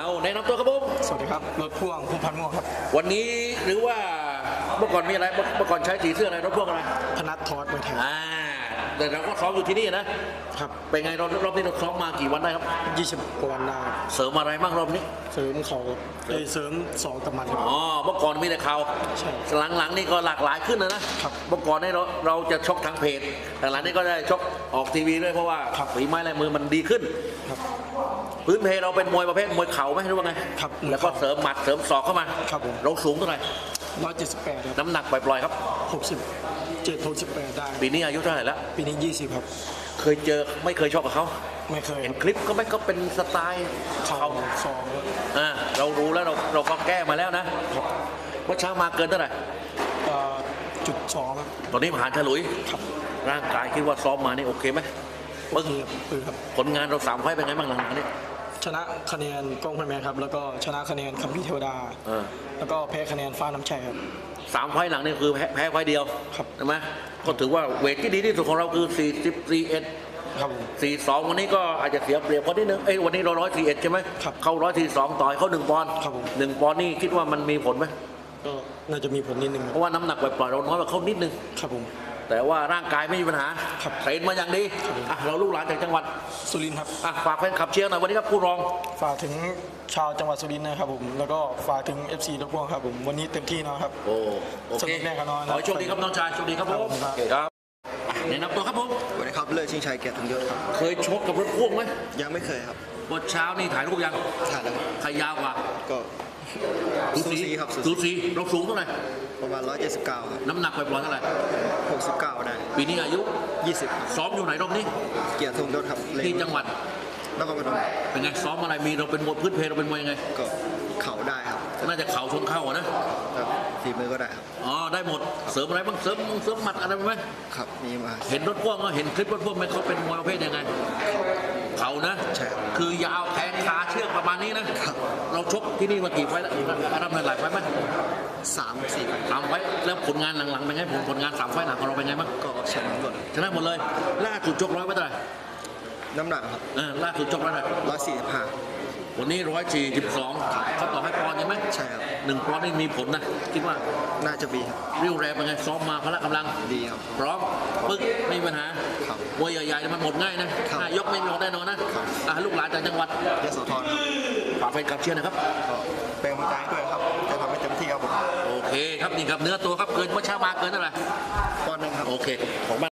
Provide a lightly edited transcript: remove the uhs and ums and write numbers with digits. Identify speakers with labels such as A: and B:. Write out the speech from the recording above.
A: เอาแนะนำตัวครับผม
B: สวัสดีครับรถพ่วงภูมิพันธ์ม่วงครับ
A: วันนี้หรือว่าเมื่อก่อนมีอะไรเมื่อก่อนใช้สีเสื้ออะไรรถพ่วงอะไร
B: พนัททอดมวยไทย
A: แต่เราก็ซ้อมอยู่ที่นี่นะครับเป็นไงรอบนี้เราซ้อมมากี่วันได้ครับ
B: 20กว่าวันได้
A: เสริมอะไรบ้างรอบนี้
B: เสริมเขาเสริม2กับมัน
A: อ๋อเมื่อก่อนมีแต่เข่า
B: ใช่
A: หลังๆนี่ก็หลากหลายขึ้นนะครับเมื่อก่อนนี่เราจะชกทางเพจแต่หลังนี้ก็ได้ชกออกทีวีด้วยเพราะว่าฝีไม้ลายมือมันดีขึ้น
B: ครับ
A: พื้นเพเราเป็นมวยประเภทมวยเข่าไหมหรือว่าไง
B: ครับ
A: แล้วก็เสริมหมัดเสริมศอกเข้ามา
B: ครับผม
A: เราสูงเท่าไหร่
B: 178ครับ
A: น้ำหนักปล่อยๆครับ
B: 67-68ได้
A: ปีนี้อายุเท่าไหร่แล้ว
B: ปีนี้20ครับ
A: เคยเจอไม่เคยชกกับเขา
B: ไม่เคย
A: เห็นคลิปก็ไม่ก็เป็นสไตล์
B: เขาสอง
A: เรารู้แล้วเราก็แก้มาแล้วนะครับว่าช้างมาเกินเท่าไหร่
B: .2ครับ
A: ตอนนี้ผ่านฉลุย
B: ครับ
A: ร่างกายคิดว่าซ้อมมานี่โอเคไหม
B: โอเคครับ
A: ผลงานเรา3 ไฟต์เป็นไงบ้างหลังๆนี้
B: ชนะคะแนนกล้องพันแมนครับแล้วก็ชนะคะแนนคัมพี่เทวดาแล้วก็แพ้คะแนนฟ้าน้ำชัยครับ
A: 3 ไฟต์หลังนี่คือแพ้ไฟต์เดียว
B: ครับ
A: ใช่ไหมก็ถือว่าเวทที่ดีที่สุดของเราคือ44
B: ครับ
A: 42วันนี้ก็อาจจะเสียเปรียบคนนิดนึงวันนี้เรา141ใช่ไหม
B: ครับ
A: เข้า142ต่อยเขา1 ปอนด์
B: ครับผม
A: 1 ปอนด์นี่คิดว่ามันมีผลไหม
B: ก็น่าจะมีผลนิดนึง
A: เพราะว่าน้ำหนักปล่อยเราน้อยกว่าเขานิดนึง
B: ครับผม
A: แต่ว่าร่างกายไม่มีปัญหาเทรนมาอย่างดีเราลูกหลานจากจังหวัด
B: สุรินทร์ครับ
A: ฝากแฟนคลับเชียร์หน่อยวันนี้ครับผู้รอง
B: ฝากถึงชาวจังหวัดสุรินทร์นะครับผมแล้วก็ฝากถึง FC รถพ่วงครับผมวันนี้เต็มที่นะครับ
A: โอเค
B: แน่ครับน้อง
A: ขอให้โชคดีครับน้องชายโชคดีครับผมครับแนะนำตัวครับผม
C: สวัสดีครับเลิศชิงชัยเกียรติทั้งยศครับ
A: เคยชกกับรถพ่วงไหม
C: ยังไม่เคยครับ
A: วันเช้านี่ถ่ายรูปยัง
C: ถ่ายแล้ว
A: ใครยาวกว่า
C: ก็สูสีครับ
A: สูสีเราสูงเท่าไหร่
C: ประมาณ179ครับ
A: น้ำหนักปล่อยเท่าไหร่
C: 69ได้
A: ปีนี้อายุ
C: 20
A: ซ้อมอยู่ไหนรอบนี้
C: เกียรติทงยศครับ
A: ที่จังหวัด
C: นครพนม
A: เป็นไงซ้อมอะไรมีเราเป็นมวยพื้นเพเราเป็นมวยยังไง
C: ก็เข่าได้ครับ
A: น่าจะเข่าชนเข่านะ
C: ฝีมือก็ได้ครับ
A: ได้หมดเสริมอะไรบ้างเสริมหมัดอะไรไหม
C: ครับมีมา
A: เห็นรถพ่วงก็เห็นคลิปรถพ่วงไหมเขาเป็นมวยประเภทยังไงเข่านะ
C: ใช่
A: คือยาวแทงขาเชือกประมาณนี้นะเราชกที่นี่มากี่ไฟแล้วรับเงินหลายไฟไหม3 ไฟแล้วผลงานหลังๆเป็นไงผลงาน3 ไฟหลังของเราเป็นไงบ้าง
C: ก็ชนะหมด
A: เลยล่าสุดชก100 ไว้เท่าไหร่
C: น้ำหนักครับ
A: ล่าสุดชก145วันนี้142เขาต่อให้ปอนด์ใช่ไหม
C: ใช่ครับ
A: 1 ปอนด์นี่มีผลนะคิดว่า
C: น่าจะมีครับ
A: เรียวแรงเป็นไงซ้อมมาพละกำลัง
C: ดีครับ
A: พร้อมปึ๊กไม่มีปัญหา
C: ครับ
A: มวยใหญ่ๆมันหมดง่ายนะยกไม่หมดแน่นอนนะลูกหลานจากจังหวัด
C: ยโสธร
A: ฝากแฟนคลับเชียร์นะครับ
C: เป็นกำลังใจด้วยครับจะทำให้เต็มที่ครับผม
A: โอเคครับนี่ครับเนื้อตัวครับเกินเมื่อเช้ามาเกินเท่าไหร่
C: 1 ปอนด์ครับ
A: โอเคของ